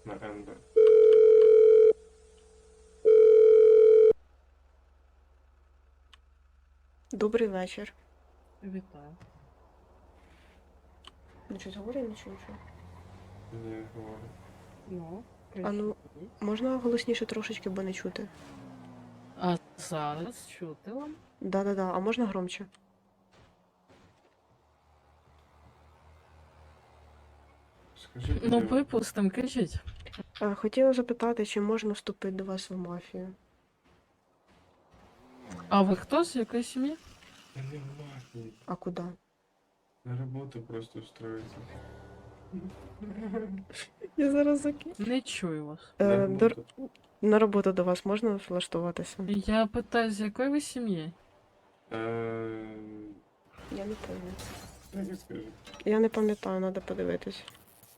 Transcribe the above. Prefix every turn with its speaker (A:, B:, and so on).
A: на Ендер.
B: Добрий вечір.
C: Вітаю.
B: Ну щось говорю, нічого.
A: Не говорю.
C: Ну,
B: А ну,
C: кажіть.
B: можна голосніше трошечки, бо не чути?
C: А зараз чути вам?
B: Да-да-да, а можна громче?
A: Скажи,
C: Ну,
A: де ви?
C: припустим, кажіть.
B: Хотіла запитати, чи можна вступити до вас в мафію?
C: А ви хто з якої сім'ї?
A: Я не в мафії.
B: А куди?
A: На роботу просто устроїться.
B: Я зараз закину.
C: Не чую вас.
A: На роботу.
B: На роботу до вас можна влаштуватися?
C: Я питаю, з якої ви сім'ї?
B: Я не пам'ятаю.
A: Я не скажу.
B: Я не пам'ятаю, треба подивитись.